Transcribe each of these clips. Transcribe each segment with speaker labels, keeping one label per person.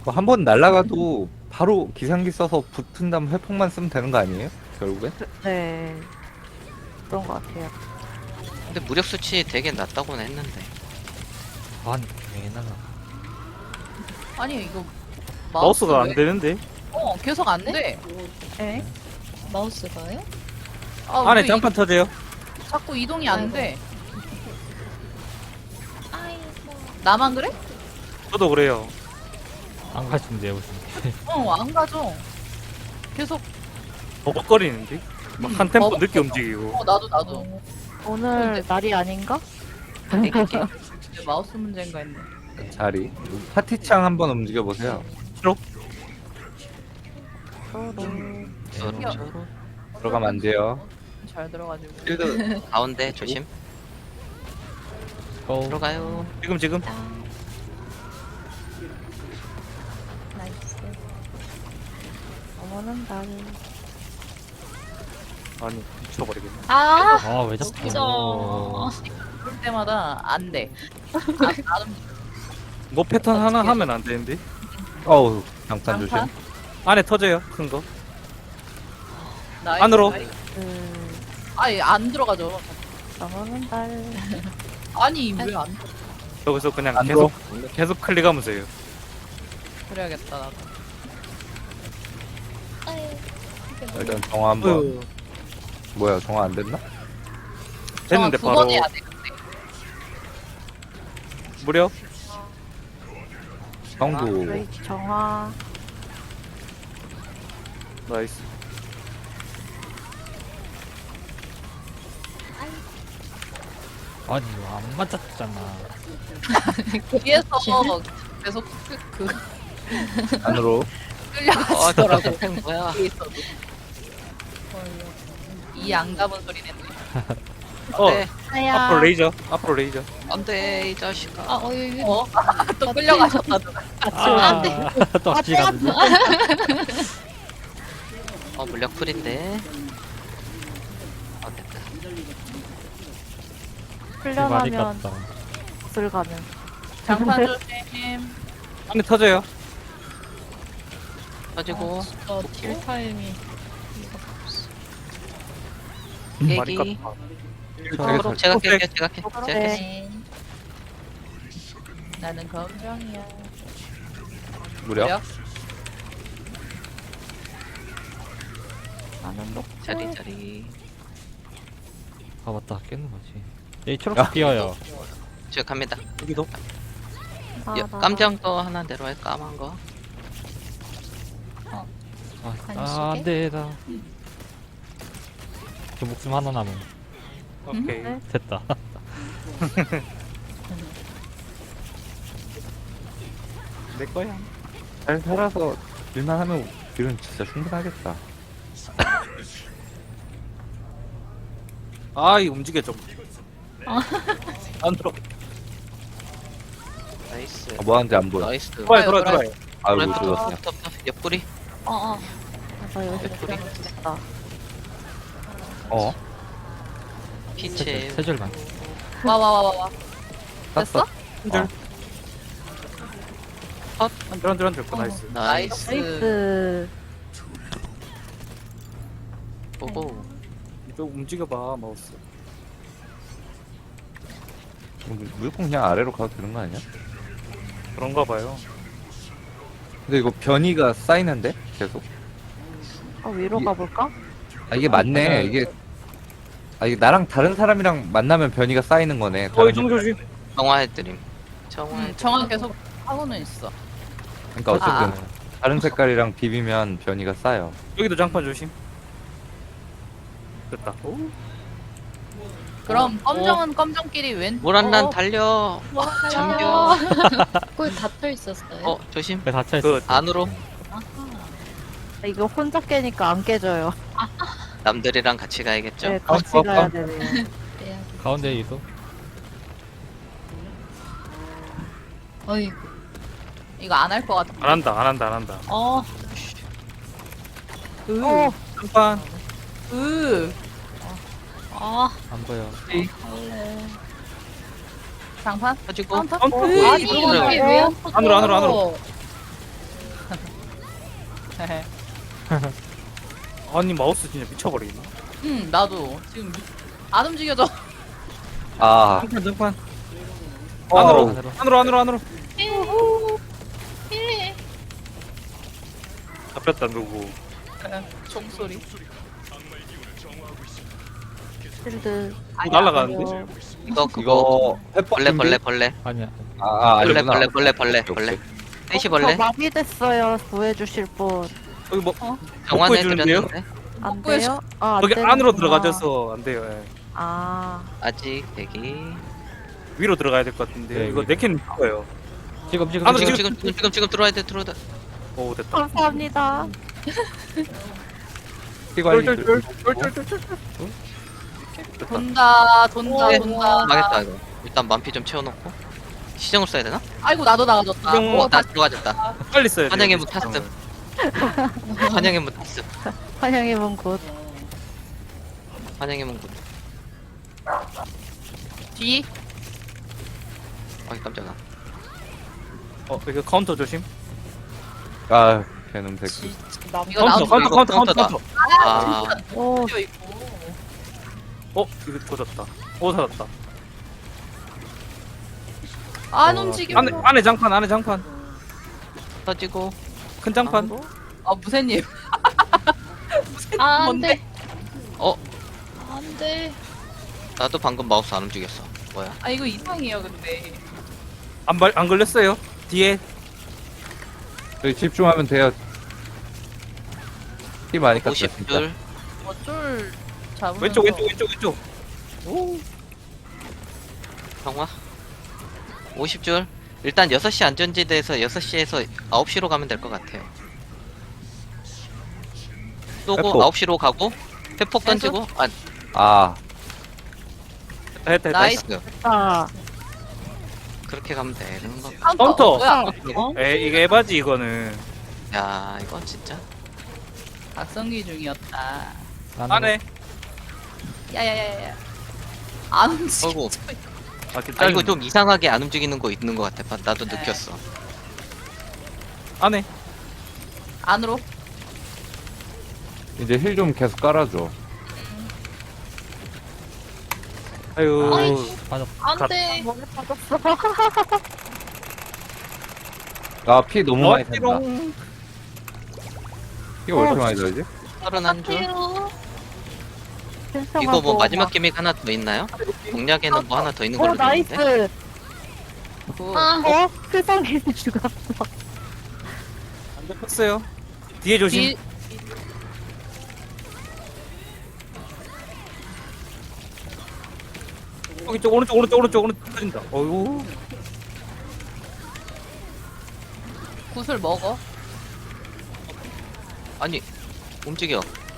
Speaker 1: 뭐 한 번 날아가도 바로 기상기 써서 붙은 다음 회폭만 쓰면 되는 거 아니에요? 결국에?
Speaker 2: 네. 그런 것 같아요.
Speaker 3: 근데 무력 수치 되게 낮다고는 했는데.
Speaker 4: 아니 괜찮아.
Speaker 5: 아니 이거
Speaker 6: 마우스가 안
Speaker 5: 왜-
Speaker 6: 되는데.
Speaker 5: 계속 안 돼.
Speaker 2: 에?
Speaker 7: 마우스가요?
Speaker 5: 아,
Speaker 6: 안에
Speaker 5: 왜
Speaker 6: 장판 터져요.
Speaker 5: 자꾸 이동이 안 돼.
Speaker 7: 아이고.
Speaker 5: 나만 그래?
Speaker 6: 저도 그래요.
Speaker 4: 안 가신대요 무슨.
Speaker 5: 안 가죠. 계속
Speaker 6: 버벅거리는데. 막 한 템포
Speaker 5: 버벅-
Speaker 6: 늦게 움직이고.
Speaker 5: 나도
Speaker 2: 오늘 날이 아닌가?
Speaker 5: 내 마우스 문제인가 했네.
Speaker 1: 자리. 파티창 한번 움직여 보세요.
Speaker 2: 서로.
Speaker 3: 서로
Speaker 1: 들어가면 안 돼요.
Speaker 5: 잘 들어가지고.
Speaker 1: 필드
Speaker 3: 가운데 조심.
Speaker 4: 고.
Speaker 3: 들어가요.
Speaker 6: 지금.
Speaker 7: 나이스.
Speaker 2: 어머는 날.
Speaker 6: 아니 미쳐버리겠네.
Speaker 7: 아,
Speaker 4: 아왜 자꾸.
Speaker 7: 진짜.
Speaker 5: 그럴 때마다 안 돼. 나는
Speaker 6: 뭐 패턴 하나
Speaker 5: 어떻게
Speaker 6: 하면 안 되는데.
Speaker 1: 어우 장판 조심.
Speaker 5: 장판?
Speaker 6: 안에 터져요. 큰 거.
Speaker 5: 나이스,
Speaker 6: 안으로.
Speaker 5: 나이스.
Speaker 2: 그,
Speaker 5: 아니 안 들어가죠.
Speaker 2: 어머는 날.
Speaker 5: 아니 왜 안
Speaker 6: 여기서 그냥
Speaker 1: 안
Speaker 6: 계속 클릭하면서 해요.
Speaker 5: 그래야겠다 나도.
Speaker 7: 아유. 이게 뭐야?
Speaker 1: 일단 정화 한번.
Speaker 6: 어휴,
Speaker 1: 뭐야 정화 안 됐나?
Speaker 6: 됐는데
Speaker 5: 두
Speaker 6: 바로
Speaker 5: 번 해야 돼.
Speaker 6: 무려
Speaker 1: 정도.
Speaker 2: 저희 정화.
Speaker 6: 나이스.
Speaker 4: 아니 이거 안 맞았잖아.
Speaker 5: 뒤에서 계속 그
Speaker 1: 안으로.
Speaker 5: 끌려가시더라고.
Speaker 3: 템 뭐야?
Speaker 5: 뒤에 있어도. 이 앙담은 소리 냈네.
Speaker 3: 안돼.
Speaker 2: 하야.
Speaker 6: 앞으로 레이저.
Speaker 3: 안돼 이 자식아.
Speaker 7: 아, 어이,
Speaker 5: 또 끌려가셨다.
Speaker 4: 아, 또 같이 가는데.
Speaker 3: 물력 풀인데. 됐다.
Speaker 4: 많이
Speaker 2: 훈련하면
Speaker 4: 갔다.
Speaker 2: 술 가는.
Speaker 5: 장판 조심.
Speaker 6: 안에 터져요.
Speaker 3: 가지고
Speaker 7: 딜 타임이.
Speaker 6: 많이
Speaker 3: 깨기.
Speaker 6: 깠다.
Speaker 1: 되게
Speaker 3: 제가
Speaker 1: 잘.
Speaker 3: 깰게요. 제가 깰. 제가 깰.
Speaker 7: 네.
Speaker 5: 나는 검정이야.
Speaker 1: 무력.
Speaker 2: 나는 녹.
Speaker 3: 자리.
Speaker 4: 아 맞다 깼는 거지. 여기 초록색 뛰어요.
Speaker 3: 제가 갑니다.
Speaker 6: 여기도.
Speaker 3: 깜장도 하나 내려와요. 까만 거.
Speaker 4: 아 안돼 나. 그 목숨 하나 남은.
Speaker 6: 오케이.
Speaker 2: 네.
Speaker 4: 됐다.
Speaker 6: 내 거야.
Speaker 1: 잘 살아서 일만 하면 딜은 진짜 충분하겠다.
Speaker 6: 이 움직여 좀. 안으로.
Speaker 3: 나이스.
Speaker 1: 뭐 하는지 안 보여.
Speaker 3: 나이스.
Speaker 6: 돌아요.
Speaker 1: 아이고 죽었어.
Speaker 3: 옆구리.
Speaker 2: 나 여기 됐다.
Speaker 1: 어?
Speaker 3: 피체.
Speaker 4: 세 줄만.
Speaker 5: 와. 됐어?
Speaker 1: 땄어.
Speaker 6: 한줄 나이스.
Speaker 3: 나이스.
Speaker 2: 나이스.
Speaker 3: 보고.
Speaker 6: 좀 움직여봐 마우스.
Speaker 1: 무조건 그냥 아래로 가도 되는 거 아니야?
Speaker 6: 그런가 봐요.
Speaker 1: 근데 이거 변이가 쌓이는데 계속.
Speaker 2: 위로
Speaker 1: 이-
Speaker 2: 가볼까?
Speaker 1: 아 이게 맞네. 이게 나랑 다른 사람이랑 만나면 변이가 쌓이는 거네. 다른
Speaker 6: 좀 조심.
Speaker 3: 정화해드림. 정화.
Speaker 5: 정화 계속 하고는 있어.
Speaker 1: 그러니까 어쨌든 다른 색깔이랑 비비면 변이가 쌓여.
Speaker 6: 여기도 장판 조심. 됐다. 오.
Speaker 5: 그럼 검정은 검정끼리 왼.
Speaker 3: 모란난 달려. 잠겨.
Speaker 7: 거기 닫혀 있었어요.
Speaker 3: 조심.
Speaker 4: 왜 닫혀
Speaker 6: 그
Speaker 4: 있어?
Speaker 3: 안으로.
Speaker 2: 이거 혼자 깨니까 안 깨져요.
Speaker 3: 남들이랑 같이 가야겠죠.
Speaker 2: 네, 같이 가야 되네요.
Speaker 4: 가운데 이소.
Speaker 7: 어이.
Speaker 5: 이거 안 할 것 같아.
Speaker 6: 안 한다. 장판.
Speaker 4: 안 보여.
Speaker 5: 장판?
Speaker 3: 가지고.
Speaker 5: 카운터?
Speaker 6: 카운터.
Speaker 5: 으이,
Speaker 7: 이게 왜 안 터져?
Speaker 6: 안으로. 아니 마우스 진짜 미쳐버리겠네.
Speaker 5: 나도 지금 안 움직여져.
Speaker 1: 아,
Speaker 6: 장판 장판.
Speaker 1: 어.
Speaker 6: 안으로.
Speaker 7: 예.
Speaker 6: 잡혔다 누구.
Speaker 5: 종소리.
Speaker 2: 실드.
Speaker 6: 날아가는데?
Speaker 3: 이거 그거
Speaker 1: 이거 햇법
Speaker 3: 벌레.
Speaker 4: 아니야.
Speaker 1: 아니구나.
Speaker 3: 벌레. 셋이 벌레.
Speaker 2: 저 마비됐어요. 구해주실 분.
Speaker 6: 여기 뭐
Speaker 3: 정환해
Speaker 6: 보여주는데요?
Speaker 3: 드렸는데
Speaker 2: 안
Speaker 5: 구해주-
Speaker 2: 돼요? 아, 안
Speaker 6: 여기
Speaker 2: 되는구나.
Speaker 6: 안으로 들어가져서 안 돼요. 예.
Speaker 2: 아,
Speaker 3: 아직 대기.
Speaker 6: 위로 들어가야 될 것 같은데
Speaker 4: 네,
Speaker 6: 이거
Speaker 4: 위로.
Speaker 6: 네캔 거예요.
Speaker 4: 지금
Speaker 6: 안으로
Speaker 3: 지금 들어와야 돼.
Speaker 6: 오 됐다.
Speaker 2: 감사합니다.
Speaker 6: 쫄쫄쫄.
Speaker 5: 돈다.
Speaker 3: 네.
Speaker 5: 돈다.
Speaker 3: 망했다 이거. 일단 만피 좀 채워놓고 시정을 써야 되나?
Speaker 5: 아이고 나도 나가졌다.
Speaker 6: 시정-
Speaker 5: 오,
Speaker 3: 나 들어가졌다.
Speaker 6: 빨리 써야 돼.
Speaker 3: 환영의 문 탔음. 환영의 문 탔음.
Speaker 2: 환영의 문 곧.
Speaker 3: 환영의 문 굿.
Speaker 5: 뒤.
Speaker 3: 아이 깜짝아.
Speaker 6: 이거 카운터 조심.
Speaker 1: 아, 걔는 새끼.
Speaker 5: 이거 나도
Speaker 3: 카운터다. 아
Speaker 2: 오,
Speaker 5: 뛰어 있고.
Speaker 6: 이거 조졌다. 살았다.
Speaker 5: 안 움직여.
Speaker 6: 안에 장판.
Speaker 3: 터지고.
Speaker 6: 큰 장판.
Speaker 5: 무쇠님.
Speaker 7: 아, 안
Speaker 5: 뭔데?
Speaker 7: 돼.
Speaker 3: 어
Speaker 7: 안 돼.
Speaker 3: 나도 방금 마우스 안 움직였어. 뭐야?
Speaker 5: 아 이거 이상해요 근데.
Speaker 6: 안 걸렸어요. 뒤에
Speaker 1: 저희 집중하면 돼요. 피 많이 깠다, 진짜.
Speaker 3: 50줄.
Speaker 5: 어쩔 잡으면서.
Speaker 6: 왼쪽.
Speaker 3: 정화. 50줄. 일단 6시 안전지대에서 6시에서 9시로 가면 될 것 같아요. 쏘고
Speaker 1: 회폭.
Speaker 3: 9시로 가고 회폭 던지고
Speaker 1: 아,
Speaker 6: 됐다.
Speaker 5: 나이스.
Speaker 3: 나이스.
Speaker 2: 아,
Speaker 3: 그렇게 가면 되는 거.
Speaker 6: 카운터.
Speaker 5: 뭐야?
Speaker 6: 이게 에바지 이거는.
Speaker 3: 야 이거 진짜.
Speaker 5: 각성기 중이었다.
Speaker 6: 안에.
Speaker 5: 야야야야. 안 움직여.
Speaker 3: 어이구.
Speaker 6: 진짜
Speaker 3: 아 이거 좀 이상하게 안 움직이는 거 있는 것 같아. 나도 느꼈어.
Speaker 6: 안에.
Speaker 5: 안으로.
Speaker 1: 이제 힐 좀 계속 깔아줘.
Speaker 6: 아유.
Speaker 7: 아이.
Speaker 4: 맞아.
Speaker 7: 안 돼.
Speaker 2: 몸에 빠졌어.
Speaker 1: 아, 피 너무 많이 샌다.
Speaker 6: 어지롱.
Speaker 1: 피가 왜 이렇게 많이 들지?
Speaker 3: 31줄.
Speaker 2: 신성하고
Speaker 3: 이거 뭐 마지막
Speaker 2: 막-
Speaker 3: 기믹 하나 더 있나요? 공략에는 뭐 하나 더 있는 걸로
Speaker 2: 나이스.
Speaker 3: 들었는데.
Speaker 7: 아,
Speaker 2: 세상에 죽었어.
Speaker 6: 안 잡혔어요. 뒤에 조심.
Speaker 5: 뒤.
Speaker 6: 이쪽 오른쪽 터진다. 어유.
Speaker 5: 구슬 먹어.
Speaker 3: 아니 움직여.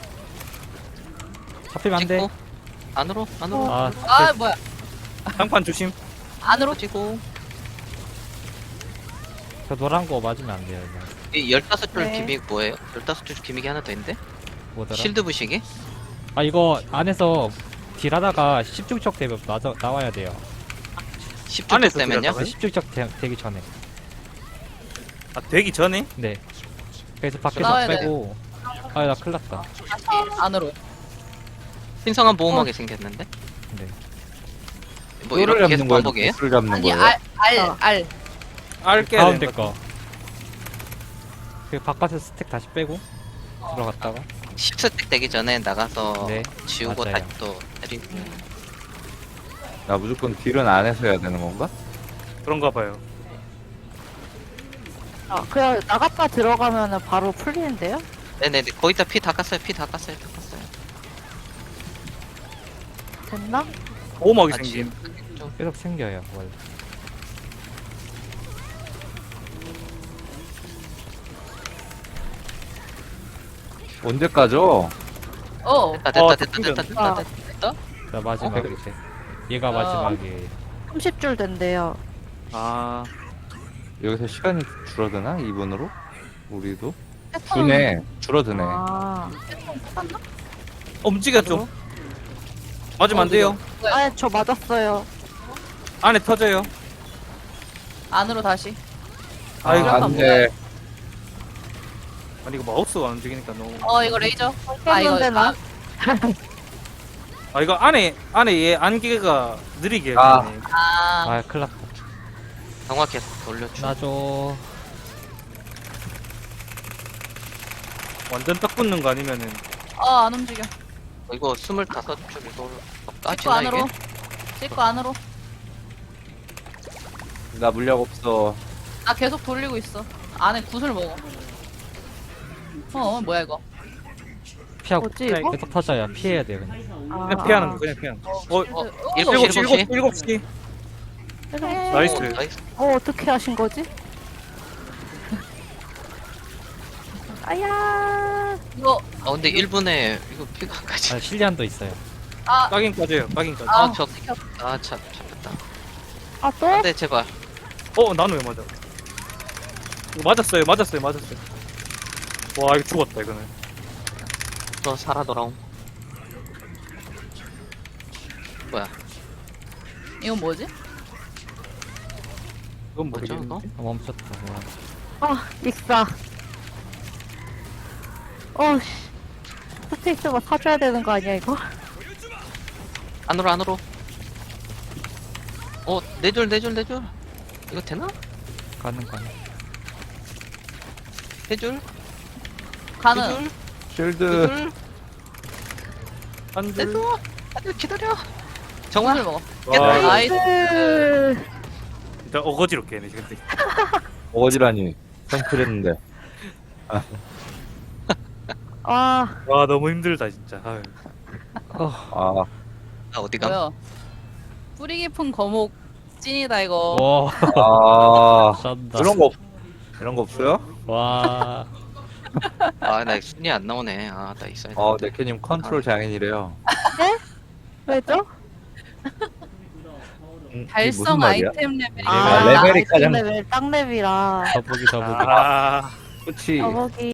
Speaker 4: 잡히면 안 돼.
Speaker 3: 찍고 안으로.
Speaker 5: 아 뭐야?
Speaker 6: 장판 조심.
Speaker 5: 안으로.
Speaker 3: 터지고.
Speaker 4: 저 노란 거 맞으면 안 돼요. 이거.
Speaker 3: 이 15줄
Speaker 2: 네.
Speaker 3: 기믹 뭐예요? 15줄 기믹이 하나 더 있는데?
Speaker 4: 뭐더라?
Speaker 3: 실드 부시기?
Speaker 4: 아 이거 안에서 딜하다가 10중척 되면 나와야 돼요.
Speaker 3: 10줄
Speaker 6: 안에서
Speaker 3: 되면요?
Speaker 6: 들어가요?
Speaker 4: 10중척 되기 전에.
Speaker 6: 되기 전에.
Speaker 4: 네. 그래서 밖에서
Speaker 5: 나와야
Speaker 4: 빼고. 아 나 큰일 났다.
Speaker 5: 다시 안으로.
Speaker 3: 신성한 보호막이 생겼는데?
Speaker 4: 네.
Speaker 3: 뭐
Speaker 1: 를
Speaker 3: 이렇게 계속
Speaker 1: 잡는 거예요?
Speaker 3: 반복이에요?
Speaker 1: 를 잡는
Speaker 5: 아니
Speaker 1: 거예요?
Speaker 5: 알.
Speaker 6: 알게
Speaker 4: 가운데
Speaker 6: 되는
Speaker 4: 거. 그 바깥에서 스택 다시 빼고 들어갔다가
Speaker 3: 10스택 되기 전에 나가서
Speaker 4: 네,
Speaker 3: 지우고
Speaker 4: 맞아요.
Speaker 3: 다시 또 때리고.
Speaker 1: 나 무조건 딜은 안 해서 해야 되는 건가?
Speaker 6: 그런가 봐요.
Speaker 2: 그냥 나갔다 들어가면은 바로 풀리는데요?
Speaker 3: 네네네 거의 다 피 다 깠어요.
Speaker 2: 됐나?
Speaker 6: 보호막이
Speaker 3: 아,
Speaker 6: 생긴.
Speaker 4: 계속 생겨요 원래.
Speaker 1: 언제 까죠?
Speaker 3: 됐다.
Speaker 4: 자 마지막
Speaker 3: 어?
Speaker 4: 이제 얘가 마지막에
Speaker 2: 30줄 된대요.
Speaker 6: 아.
Speaker 1: 여기서 시간이 줄어드나? 2분으로? 우리도? 주네. 줄어드네.
Speaker 2: 아,
Speaker 6: 움직여 좀. 맞으면 안 돼요.
Speaker 2: 아, 저 맞았어요.
Speaker 6: 안에 터져요.
Speaker 5: 안으로 다시.
Speaker 6: 아이고,
Speaker 1: 안 돼.
Speaker 6: 아니 이거 마우스가 안 움직이니까 너무.
Speaker 5: 이거 레이저. 아 이거
Speaker 2: 했는데 나?
Speaker 6: 아 이거 안에 얘 안개가 느리게 해야
Speaker 1: 아.
Speaker 6: 되네.
Speaker 4: 아 큰일 났다.
Speaker 3: 강화해서 돌려줘.
Speaker 4: 놔줘.
Speaker 6: 완전 딱 붙는 거 아니면은
Speaker 5: 안 움직여.
Speaker 3: 이거 25줄 이거
Speaker 5: 찍고
Speaker 3: 까지나
Speaker 5: 안으로.
Speaker 3: 이게?
Speaker 5: 찍고 안으로.
Speaker 1: 나 물약 없어.
Speaker 5: 나 계속 돌리고 있어. 안에 구슬 먹어. 뭐야 이거?
Speaker 4: 피하고
Speaker 2: 뭐지, 이거?
Speaker 4: 계속 터져요. 피해야 돼 그냥.
Speaker 6: 그냥 피하는 거 그냥 피하는 거.
Speaker 3: 일곱 시, 일곱 시.
Speaker 6: 7시. 나이스.
Speaker 3: 나이스.
Speaker 2: 어떻게 하신 거지? 아야.
Speaker 5: 이거
Speaker 3: 근데 1분에 이거 피가 안 가지.
Speaker 4: 아 실리안도 있어요.
Speaker 6: 까긴까지요. 까긴까지.
Speaker 3: 참 잡혔다.
Speaker 2: 아 또?
Speaker 3: 안돼 제발.
Speaker 6: 나는 왜 맞아? 이거 맞았어요. 와 이거 죽었다 이거는.
Speaker 3: 너 살아 돌아옴. 뭐야?
Speaker 5: 이건 뭐지?
Speaker 6: 이건
Speaker 3: 뭐죠
Speaker 6: 모르겠네.
Speaker 3: 이거?
Speaker 4: 멈췄다.
Speaker 2: 아 익사. 어씨. 스테이크가 사줘야 되는 거 아니야 이거?
Speaker 3: 안으로. 네 줄. 이거 되나?
Speaker 4: 가는.
Speaker 3: 세 줄?
Speaker 5: 가는.
Speaker 1: 쉴드.
Speaker 3: 두 줄?
Speaker 6: 한 줄.
Speaker 3: 됐어. 안돼 기다려.
Speaker 5: 구슬
Speaker 3: 정말
Speaker 5: 먹어.
Speaker 6: 와,
Speaker 5: 나이스.
Speaker 6: 진짜 어거지로 깨네 근데.
Speaker 1: 어지라니. 성필했는데.
Speaker 2: 아
Speaker 6: 와 너무 힘들다 진짜. 아유.
Speaker 1: 아,
Speaker 3: 어디가?
Speaker 5: 뭐야? 뿌리 깊은 거목 찐이다 이거.
Speaker 4: 와
Speaker 1: 아,
Speaker 4: 쩐다.
Speaker 1: 이런 거 없어요?
Speaker 4: 와.
Speaker 3: 나 순위 안 나오네. 나 있어야 돼.
Speaker 1: 네케님 컨트롤 장인이래요.
Speaker 2: 왜죠?
Speaker 1: 이게
Speaker 5: 달성
Speaker 1: 무슨 말이야?
Speaker 5: 아이템 레벨.
Speaker 1: 레벨이 가장-
Speaker 2: 레벨 땅 레벨이라.
Speaker 4: 더보기.
Speaker 6: 아.
Speaker 1: 그치.
Speaker 2: 저기